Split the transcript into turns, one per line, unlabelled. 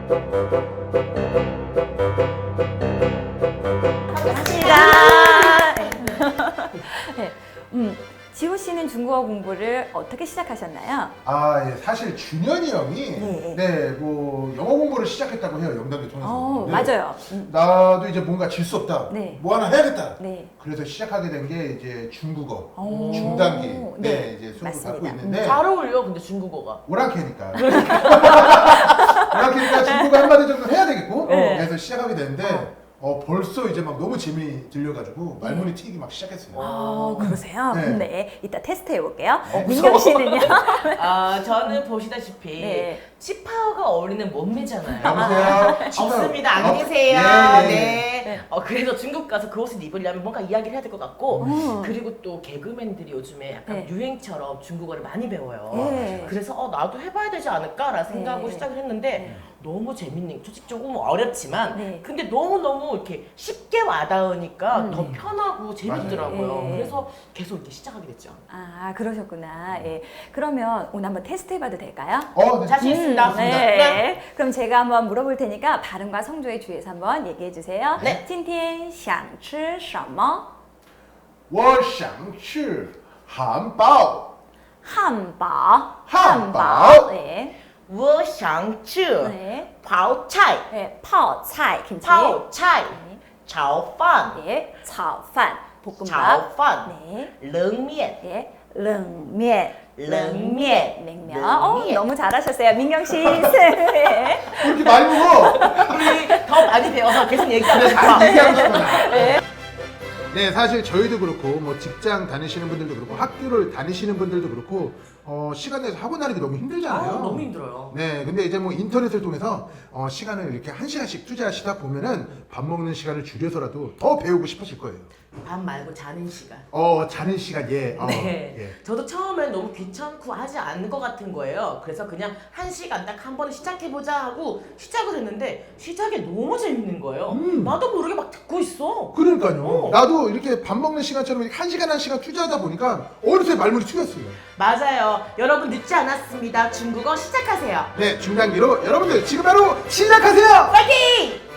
반갑습니다. 네. 지호 씨는 중국어 공부를 어떻게 시작하셨나요?
예, 사실 준현이 형이 뭐 영어 공부를 시작했다고 해요. 영단계 통해서.
맞아요.
나도 이제 뭔가 질 수 없다.
네.
뭐 하나 해야겠다.
네.
그래서 시작하게 된 게 이제 중국어 중단기 이제 수업을
맞습니다.
받고 있는데
잘 어울려 근데 중국어가.
오랑캐니까. 오랑캐니까 중국어 한마디 정도 해야 되겠고 그래서 시작하게 됐는데 벌써 이제 막 너무 재미 들려가지고 말문이 튀기 막 시작했어요.
그러세요?
네.
네. 이따 테스트 해볼게요. 민경 씨는요?
저는 보시다시피
네.
치파오가 어울리는 몸매잖아요.
여보세요?
없습니다. 안 계세요. 네. 그래서 중국 가서 그 옷을 입으려면 뭔가 이야기를 해야 될 것 같고 그리고 또 개그맨들이 요즘에 약간
네.
유행처럼 중국어를 많이 배워요.
네.
그래서 나도 해봐야 되지 않을까라는 생각으로 시작을 했는데 너무 재밌는, 솔직히 조금 어렵지만 근데 너무너무 이렇게 쉽게 와닿으니까 더 편하고 재밌더라고요.
맞아요.
그래서 계속 이렇게 시작하게 됐죠.
그러셨구나. 예. 그러면 오늘 한번 테스트 해봐도 될까요?
네.
자신 있습니다.
네. 그럼 제가 한번 물어볼 테니까 발음과 성조에 주의해서 한번 얘기해 주세요.
네.
今天想吃什么?
我想吃汉堡。
汉堡.
汉堡.
네.
我想吃
네.
泡菜
네. 泡菜 김치.
泡菜
네.
炒饭
네. 炒饭 볶음밥.
炒饭
네.
冷面
네. 冷面.
냉면.
냉면.
냉면.
너무 잘하셨어요. 민경 씨. 네.
그렇게 많이 먹어.
더 많이 배워서 계속 얘기하고
그래,
싶어.
잘 얘기하고 싶구나. 네, 사실 저희도 그렇고 뭐 직장 다니시는 분들도 그렇고 학교를 다니시는 분들도 그렇고 시간 내서 학원 다니기 너무 힘들잖아요.
너무 힘들어요.
네, 근데 이제 뭐 인터넷을 통해서 시간을 이렇게 1시간씩 투자하시다 보면은 밥 먹는 시간을 줄여서라도 더 배우고 싶으실 거예요.
밥 말고 자는 시간.
자는 시간
네.
예.
저도 처음엔 너무 귀찮고 하지 않을 것 같은 거예요. 그래서 그냥 1시간 딱 한 번에 시작해보자 하고 시작을 했는데 시작이 너무 재밌는 거예요. 나도 모르게 막 듣고 있어.
그러니까요. 나도 이렇게 밥 먹는 시간처럼 이렇게 1시간 투자하다 보니까 어느새 말문이 튀었어요.
맞아요. 여러분 늦지 않았습니다. 중국어 시작하세요.
네, 중단기로 여러분들 지금 바로 시작하세요.
파이팅!